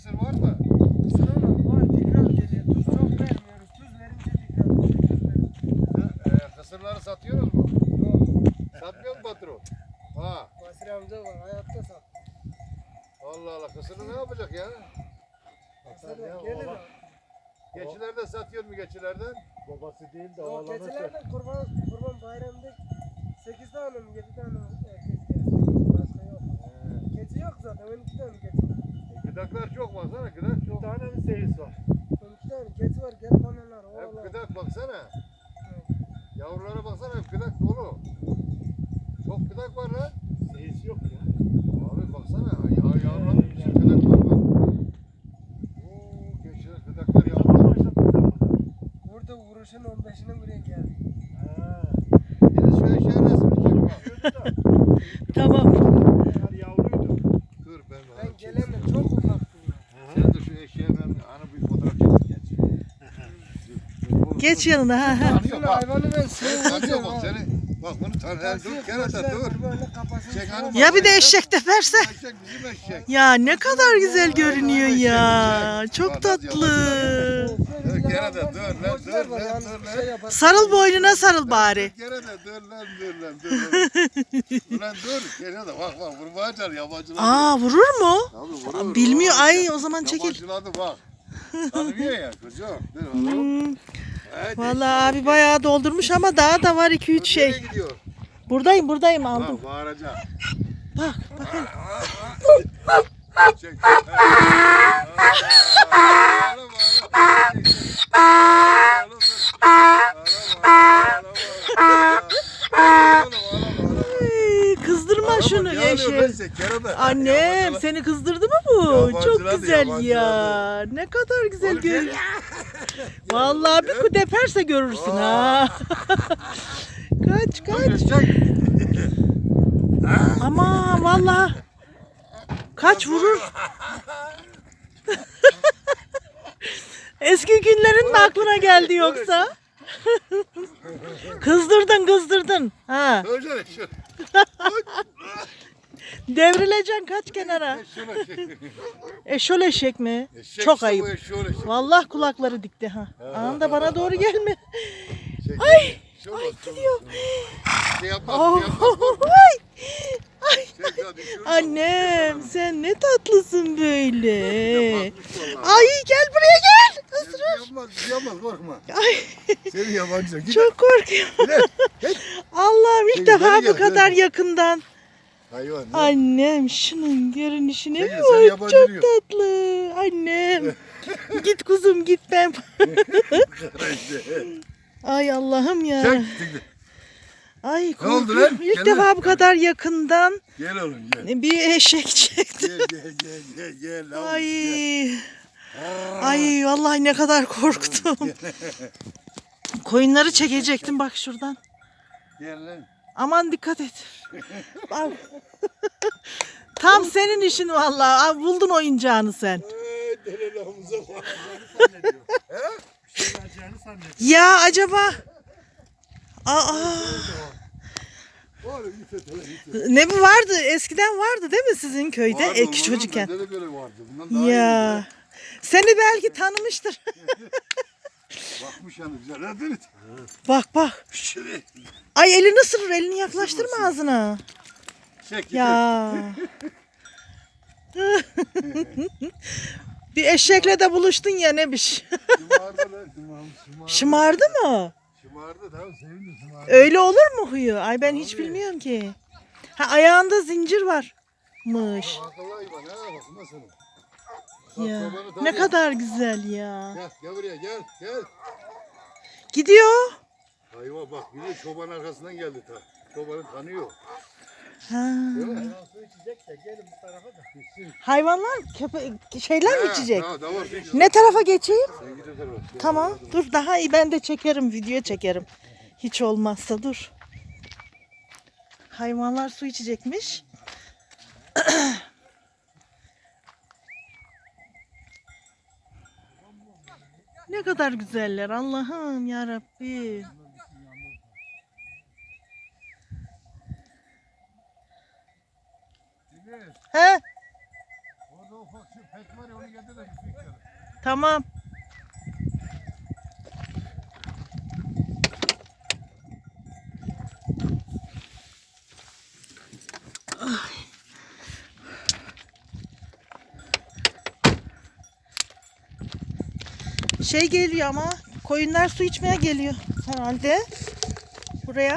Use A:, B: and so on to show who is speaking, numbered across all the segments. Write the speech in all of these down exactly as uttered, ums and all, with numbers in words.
A: kısır var mı?
B: Kısır ama var. Tekrar geliyor. Tuz çok vermiyoruz. Tuz verince tekrar geliyor.
A: E, kısırları satıyoruz mu?
B: Yok.
A: Satmıyor mu patron? Ha.
B: Basri amca var. Hayatta sat.
A: Allah Allah, kısırı ne yapacak ya?
B: Kısır gelir o.
A: Geçilerde satıyor mu geçilerden?
C: Babası değil de
B: O
C: oğlanı
B: keçilerden kurban, kurban bayramında sekiz tane mi yedi tane erkek geldi. Başka yok. Keçi yok zaten. on iki tane keçi var.
A: E, gıdaklar çok baksana, gıdak
C: Bir
A: çok.
C: tane mi seyis var?
B: on iki tane keçi var. Gel banalar.
A: Hep
B: Oğlan.
A: gıdak baksana. Yavrulara baksana, hep gıdak dolu. Çok gıdak var lan.
C: Seyis yok ya.
A: Abi baksana, ya yavrular bir sürü gıdak var bak. Oo, geçiler gıdaklar
C: Tamam
A: yavrular.
C: başladık sen burada.
B: Burada vuruşun on beşine buraya geldi.
C: Ha.
A: Biri şu eşeğin resmini çek bak.
C: Diyordu da.
D: Tamam.
C: Eğer yavruydu.
A: Dur ben
B: Ben
A: ben
B: gelemem. Çok ufaktım ya.
A: Sen de şu eşeğe ben ana bir fotoğraf çek geç.
D: Geç yanına. Ha, ha.
B: Şunu hayvanı ben
A: Tanıyor bak seni. Bak bunu tanıyor. Dur kerata dur. Çek hanım bak.
D: Ya bir de eşek teperse.
A: Eşek bizim eşek.
D: Ya ne kadar güzel görünüyor ya. Çok tatlı.
A: Dur kerata dur lan dur lan dur lan.
D: Sarıl boynuna sarıl bari.
A: Kerata dur lan dur lan dur lan. Ulan dur kerata bak bak vurmaya çar yabancılar.
D: Aa vurur mu?
A: Tabii vurur.
D: Bilmiyor. Ay o zaman çekil.
A: Yabancıladı bak. Tanımıyor ya kızım. Dur oğlum.
D: Hmm.
A: Evet,
D: Vallahi abi bayağı doldurmuş ama daha da var iki üç
A: nereye
D: şey.
A: gidiyor?
D: Buradayım buradayım aldım.
A: Bak bağıracak.
D: Bak bakın.
A: Çek. Ağla, ağla. Ağla, ağla, ağla.
D: Ay, kızdırma şunu
A: Ne alıyor lan
D: eşek.
A: sen, kerata?
D: Annem
A: Yabancılar-
D: seni kızdırdı mı bu?
A: Yabancılar
D: Çok
A: da
D: güzel
A: yabancılar
D: ya. Ne kadar güzel
A: Oğlum,
D: görünüyor. Vallahi bir ku deperse görürsün ha. Kaç kaç.
A: Çek.
D: Ama vallahi kaç vurur. Eski günlerin mi aklına geldi yoksa? Kızdırdın kızdırdın. Ha.
A: Öyle şu.
D: Devrileceksin kaç kenara.
A: Şuna çek.
D: Eşol eşek mi?
A: Eşek
D: Çok
A: işte bu,
D: ayıp.
A: eşeğin eşeği.
D: Vallahi kulakları dikti ha. Anında bana doğru gelme.
A: Çek.
D: Ay,
A: Şuna,
D: ay
A: şuna,
D: gidiyor.
A: şuna. Şey yapmaz,
D: Oh,
A: şey yapmaz. korkma.
D: ay. Ay.
A: Çek ya, düşürme.
D: Annem sen ne tatlısın böyle.
A: Bakmış vallahi.
D: Ay gel buraya gel.
A: Bir şey yapmaz, bir şey yapmaz, korkma.
D: Ay
A: Seni yabancı. Git.
D: çok korkuyorum. Allah'ım ilk
A: Gel,
D: defa
A: gel,
D: bu kadar
A: gel.
D: yakından.
A: Hayvan. ne?
D: Annem şunun görünüşüne
A: Çekil,
D: bir
A: sen
D: bak.
A: yabancı
D: Çok
A: diyor.
D: tatlı. Annem. Git kuzum git ben. Ay Allah'ım ya.
A: Çek. çek.
D: Ay
A: Ne oldu
D: korkuyorum.
A: lan?
D: İlk
A: Gel
D: defa
A: lan.
D: bu kadar yakından
A: Gel oğlum gel.
D: bir eşek çekti.
A: Gel gel gel gel gel. lan,
D: Ay.
A: gel. Aa,
D: Ay vallahi ne kadar korktum. Koyunları çekecektim bak şuradan.
A: Gel lan.
D: Aman dikkat et. Bak. Tam senin işin vallahi. Ay, buldun oyuncağını sen.
A: Ay, delelağımıza bak.
C: Bir şey vereceğini zannediyor.
D: Ya acaba Aa,
A: Oğlum git et, hele git et.
D: ne bu vardı? Eskiden vardı değil mi sizin köyde?
A: Vardı,
D: Ek
A: vardı,
D: çocukken.
A: bende de böyle vardı. Bundan daha
D: Ya. Seni belki tanımıştır.
A: iyi. Bakmış yani güzel. Hadi git.
D: Bak bak.
A: Şuraya.
D: Ay elini ısırır. Elini yaklaştırma ağzına.
A: Çek git.
D: Ya. Bir eşekle de buluştun ya ne biş.
A: Şımardı lan. Şımardı. Şımardı.
D: Şımardı mı?
A: Şımardı tamam sevindi şımardı.
D: Öyle olur mu huyu? Ay ben hiç bilmiyorum ki. Ha ayağında zincir varmış.
A: Akıllı hayvan ha bakma sana. Bak,
D: Ya.
A: çobanı
D: Ne
A: tanıyor.
D: kadar güzel ya.
A: Gel gel buraya gel gel.
D: Gidiyor.
A: Hayvan bak bir de çoban arkasından geldi ta. Çobanı tanıyor.
D: Ha.
A: Değil mi?
C: Hayvan su içecek de gelin bu tarafa da.
A: Gitsin.
D: Hayvanlar köpe şeyler mi
A: Ha,
D: içecek?
A: Ha, tamam, peki.
D: Ne tarafa geçeyim?
A: Sen git o tarafa. Gel.
D: Tamam dur daha iyi ben de çekerim video çekerim. Hiç olmazsa dur. Hayvanlar su içecekmiş. Ne kadar güzeller Allah'ım ya Rabbi.
A: Deniz,
D: He?
A: orada ufak şu pet var ya onu getir. getir de su içelim.
D: Tamam. Şey geliyor ama koyunlar su içmeye geliyor herhalde buraya.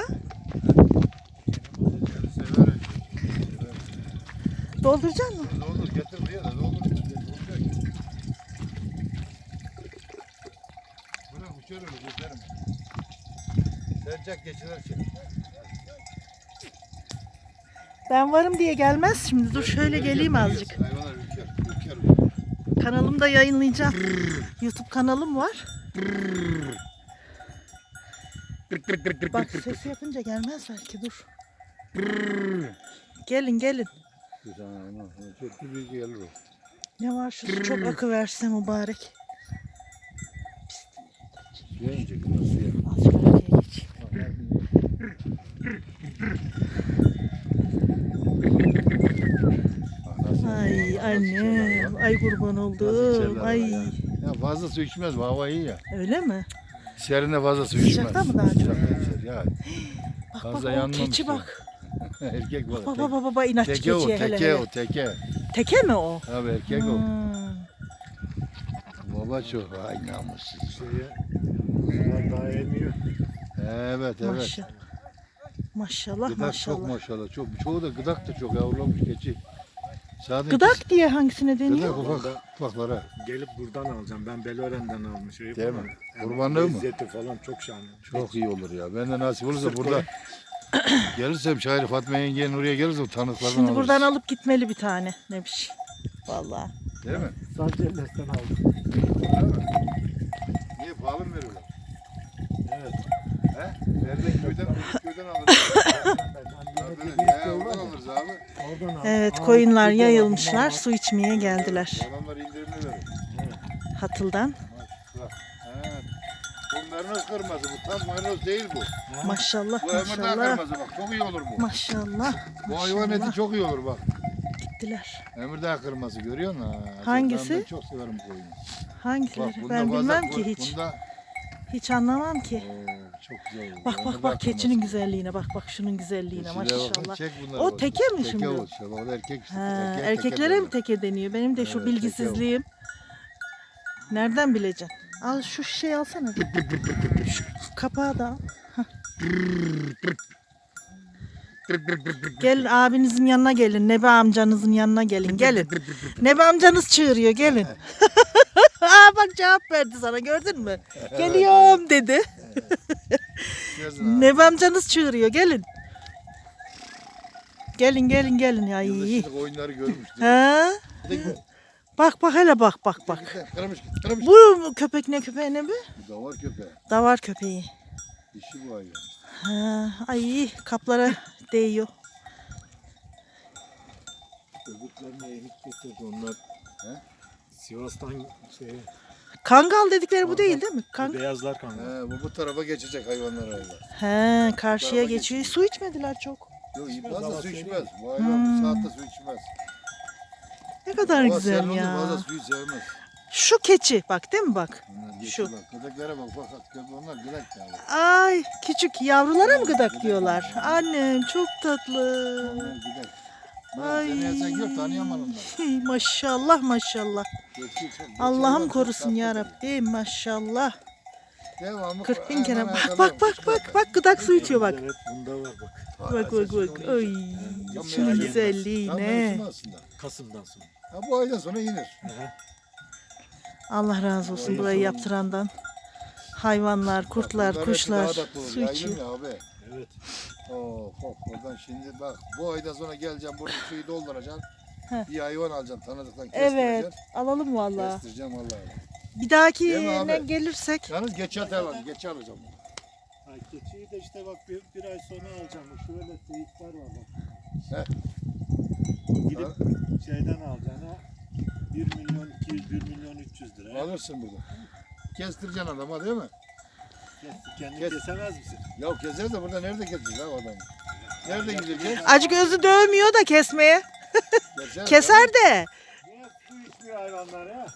A: Yani severim.
D: Dolduracak mısın?
A: Doldur getir buraya da doldur. Dolacak. Bırak uçar öyle geçerim. Sercek geçiler şey.
D: Ben varım diye gelmez şimdi. Dur şöyle geleyim azıcık.
A: Hayvanlar ülker. Ülker.
D: Kanalımda yayınlayacağım. YouTube kanalım var. Bak sesi yapınca gelmez belki dur. Gelin gelin.
A: Çok büyük gelir o.
D: Ne var şu su çok akı verse mübarek.
A: Suya inecek bunlar suya.
D: Azıcık arkaya geç. Ay annem. Ay kurban oldum. Ay.
A: Ya fazla su içmez bu hava iyi ya.
D: Öyle mi?
A: Serinde fazla su içmez.
D: Sıcakta mı daha çok?
A: Sıcakta içer ya.
D: Bak
A: Fazla
D: bak o
A: yanmamış
D: keçi
A: ya.
D: bak.
A: Erkek var.
D: Baba baba baba inatçı
A: Teke o,
D: keçiye hele
A: teke
D: hele.
A: o, teke.
D: Teke mi o?
A: Abi erkek o.
D: Hmm.
A: Baba çok. Ay namussuz.
C: Şeye, bunlar daha emiyor.
A: Evet evet.
D: Maşallah. Maşallah
A: Gıdak
D: maşallah.
A: çok maşallah. Çok. Çoğu da gıdak da çok yavrulamış keçi. Sadece
D: Gıdak diye hangisine
A: Gıdak
D: deniyor?
A: ufak ufaklara.
C: Gelip buradan alacağım. Ben Belören'den almışım.
A: Değil mi? Kurbanlığı mı?
C: Lezzeti falan çok şahane.
A: Çok iyi olur ya. Ben de nasip olursa
C: Sırf
A: burada gelirsem Şair Fatma yengenin oraya gelirsem tanıklardan
D: Şimdi
A: alırız.
D: buradan alıp gitmeli bir tane. Ne bir şey. Vallahi.
A: Değil mi?
C: Sadece Elles'ten aldım.
A: Değil mi? Niye pahalı mı veriyorlar?
C: Evet.
A: He? Nereden köyden, köyden alırız. He, oradan alırız abi.
C: Oradan aldım.
D: Evet
C: Aa,
D: koyunlar
C: bir de
D: yayılmışlar.
C: var.
D: Su içmeye geldiler.
A: Adamlar indirimli verir.
D: Hatıldan.
A: Bak. He. Bu merinoz kırmızı. Bu tam merinoz değil bu.
D: Maşallah
A: Bu ömürden
D: maşallah.
A: kırmızı bak. Çok iyi olur bu.
D: Maşallah.
A: Bu hayvan eti
D: maşallah.
A: çok iyi olur bak.
D: Gittiler.
A: Ömürden kırmızı görüyor musun? Ha,
D: Hangisi?
A: Ben çok severim bu koyunu. Bak,
D: Hangileri?
A: bunda
D: Ben
A: fazla-
D: bilmem
A: bu-
D: ki hiç.
A: Bunda
D: Hiç anlamam ki.
A: Oo, çok güzel olur.
D: Bak
A: Ömürden
D: bak bak keçinin
A: kırmızı.
D: güzelliğine bak bak şunun güzelliğine
A: Keçilere bak,
D: maşallah.
A: çek bunları
D: O
A: bak.
D: teke mi
A: Teke
D: şimdi?
A: o işte. Bak, o da erkek işte.
D: Ha,
A: Erkeğe teke
D: erkeklere mi
A: derler.
D: teke deniyor? Benim de şu
A: Evet, teke o.
D: bilgisizliğim. Nereden bileceksin? Al şu şişeyi alsana. Şu kapağı da al. Hah. Gelin abinizin yanına gelin. Nebe amcanızın yanına gelin. Gelin. Nebe amcanız çığırıyor. Gelin. Aa, bak cevap verdi sana gördün mü? Geliyorum dedi.
A: Yazın abi.
D: Nebe amcanız çığırıyor. Gelin. Gelin gelin gelin ya iyi.
A: Yılbaşında oyunları görmüştüm.
D: Ha?
A: Bir de
D: Bak bak hele bak bak bak.
A: Kırmış git, kırmış.
D: Bu köpek ne köpeği ne bu?
A: Bu da var köpeği.
D: Davar köpeği.
A: İşi bu hayvan.
D: Ha, ay kaplara değiyor.
C: Öbürlerine enik getirdi onlar.
A: He?
C: Sivas'tan şey,
D: Kangal dedikleri bu değil değil mi? Kang
C: beyazlar kanka.
A: He, bu bu tarafa geçecek hayvanlar hayvanlar.
D: He, karşıya
A: Tarafa
D: geçiyor.
A: geçiyor.
D: Su içmediler çok.
A: Yok
C: İçmez,
A: fazla
C: hava
A: su
C: serin.
A: içmez. Bu hayvan
D: Hmm.
A: bu saatte su içmez.
D: Ne kadar
A: Hava
D: güzel
A: serin olunca
D: ya.
A: Fazla suyu sevmez.
D: Şu keçi bak değil mi bak?
A: Bunlar geçti
D: Şu.
A: Bak, köpeklere bak bak. bak, Onlar gıdak ya.
D: Ay küçük yavrulara mı gıdak
A: Gıdak
D: diyorlar?
A: diyorlar.
D: Annem çok tatlı.
A: Onlar gıdak.
D: Ay.
A: Ay. Seni yesen gör tanıyamam onları.
D: Hey, maşallah maşallah.
A: Geçti çok- geçti
D: Allah'ım
A: çok
D: korusun
A: tatlı.
D: ya Rabbim maşallah.
A: Devamlı
D: kırk bin
A: hemen
D: kere bak
A: ayakkabı
D: bak
A: yapmış,
D: bak bak bak gıdak su içiyor bak.
C: Evet bunda var bak.
D: Bak bak bak. Ay
A: Tam
D: şunun
A: yani-
D: güzelliği
A: Tam
D: ne?
A: mevsimi aslında.
C: Kasım'dan sonra.
A: Ha, bu aydan sonra inir.
D: Allah razı olsun
A: Ay,
D: burayı
A: sorun.
D: yaptırandan. Hayvanlar, kurtlar,
A: Bunların hepsi
D: kuşlar
A: daha tatlı olur.
D: su
A: Yaylım
D: içiyor.
A: ya abi.
C: Evet.
A: Oh, oh, oradan şimdi bak bu aydan sonra geleceğim burada suyu dolduracaksın.
D: Heh.
A: Bir hayvan alacaksın tanıdıktan
D: Evet,
A: kestireceksin.
D: alalım vallahi.
A: Kestireceğim vallahi.
D: Bir dahaki
A: Değil mi abi?
D: ne gelirsek
A: Yalnız geçe atalım, geçe alacağım.
C: Ha, keçiyi de işte bak bir, bir ay sonra alacağım. Şöyle teyitler var bak.
A: He.
C: Gidip şeyden alacaksın ha. bir milyon iki yüz, bir milyon üç yüz lira.
A: Alırsın burada. Kestireceksin adama değil mi?
C: Kes, kendin
A: Kes.
C: kesemez misin?
A: Ya keseriz de burada nerede keseceğiz ha o adamı? Nerede gideceğiz?
D: acı gözü dövmüyor da kesmeye.
A: Keser,
D: Keser de.
C: Niye su içmiyor içiyor hayvanlar ya.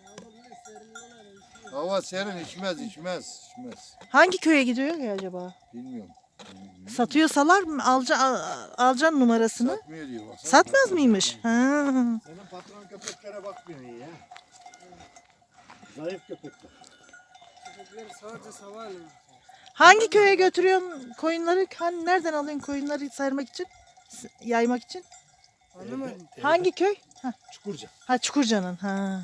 A: Hava serin, içmez, içmez, içmez.
D: Hangi köye gidiyor ki acaba?
A: Bilmiyorum.
D: Satıyor salar mı? Alca, al- alacaksın numarasını.
A: Satmıyor diyor. Baksana.
D: Satmaz mıymış? Ha.
C: Senin patron köpeklere bakmıyor iyi ya. Zayıf köpekler.
B: Köpekleri sadece sabahleyin.
D: Hangi köye götürüyorsun koyunları? Hani nereden alıyorsun koyunları saymak için? S- Yaymak için?
B: Anlamadım.
D: Hangi köy? Ha,
C: Çukurca.
D: ha Çukurca'nın. Ha.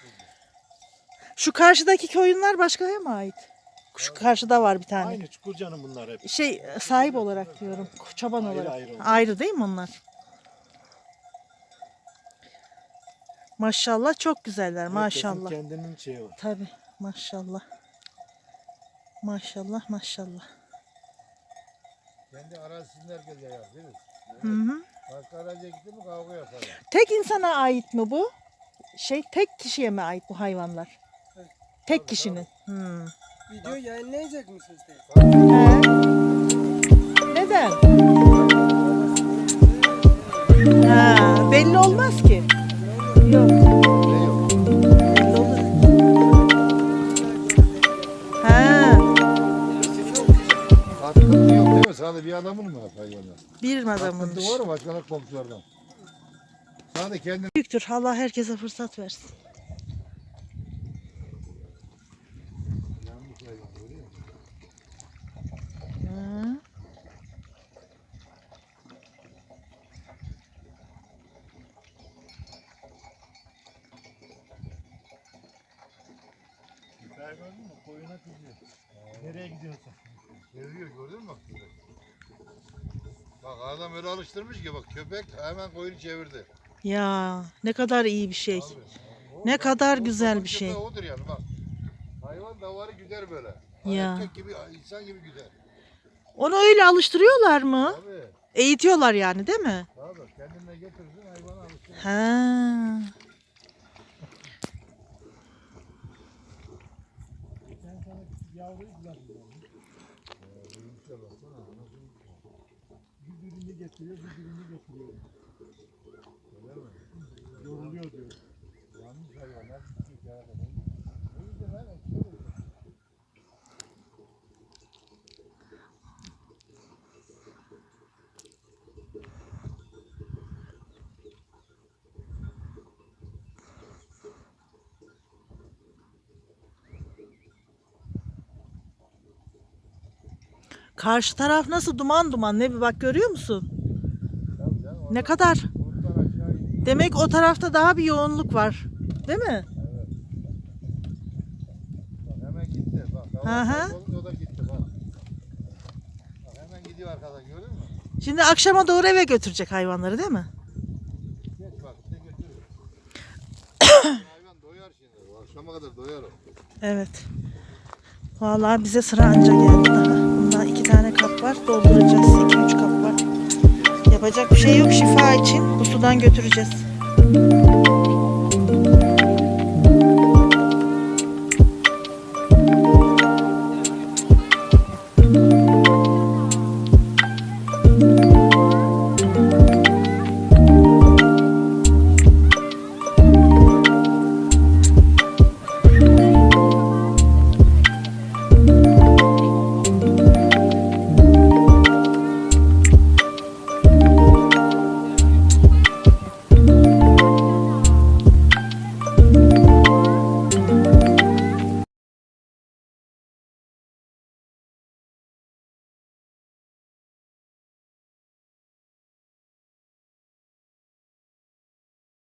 D: Şu karşıdaki koyunlar başkaya mı ait? Şu karşıda var bir tane.
C: Aynı Çukurca'nın bunlar hep.
D: Şey sahip olarak diyorum. Çoban
C: Ayrı
D: olarak.
C: ayrı onlar.
D: Ayrı değil mi onlar? Maşallah çok güzeller maşallah.
C: Herkesin kendinin şeyi var.
D: Tabii maşallah. Maşallah maşallah.
A: Kendi arazisinden geliyor ya, değil mi?
D: Hı hı.
A: Başka araziye gitti mi kavga yaparlar.
D: Tek insana ait mi bu? Şey tek kişiye mi ait bu hayvanlar?
B: Evet.
D: Tek
A: Tabii,
D: kişinin. Hmm.
B: Video yayınlayacak mısınız? de?
D: He. Neden? Ha, belli olmaz ki. Yok.
A: Ne yok?
D: Belli olur. Ha,
A: Hakkında yok değil mi? Sadece bir adamın mı hayvanlar?
D: bir
A: Hakkında
D: adamınmış.
A: var mı başka komşulardan? Sadece kendin.
D: Büyüktür. Allah herkese fırsat versin.
A: Yanlış hayvan görüyor musun?
D: Hı.
C: Köpeği gördün mü? Koyuna kızıyor. Nereye gidiyorsun?
A: Seviyor gördün mü? Bak adam öyle alıştırmış ki bak köpek hemen koyunu çevirdi.
D: Ya ne kadar iyi bir şey.
A: Abi,
D: Ne
A: o-
D: kadar
A: o-
D: güzel
A: o
D: bir şey.
A: köpeği Odur yani bak. Hayvan davarı güder böyle.
D: Ya.
A: Erkek gibi insan gibi güder.
D: Onu öyle alıştırıyorlar mı?
A: Abi.
D: Eğitiyorlar yani değil mi?
A: Abi kendine getirirsin hayvana alıştırır.
D: Ha.
C: Sen sana yavruyu bırakmıyor. Bir birini getiriyor, bir birini getiriyor.
A: Öyle mi?
C: Yoruluyor diyor.
A: Yanlış hayvanlar küçük ya. O yüzden ben açıyorum.
D: Karşı taraf nasıl duman duman ne bir bak görüyor musun?
A: Tabii canım,
D: Ne
A: orada
D: kadar?
A: bulutlar aşağı iniyor.
D: Demek o tarafta daha bir yoğunluk var. Değil mi?
A: Evet. Bak hemen gitti. Bak
D: Hı
A: davar
D: hı.
A: kaybolunca o da gitti bak. Bak hemen gidiyor arkadan gördün mü?
D: Şimdi akşama doğru eve götürecek hayvanları değil mi?
A: Geç bak bir de götürüyor. Hayvan doyar şimdi. O akşama kadar doyar o.
D: Evet. Vallahi bize sıra anca geldi daha. Bunda iki tane kap var. Dolduracağız. İki üç kap var. Yapacak bir şey yok. Şifa için bu sudan götüreceğiz.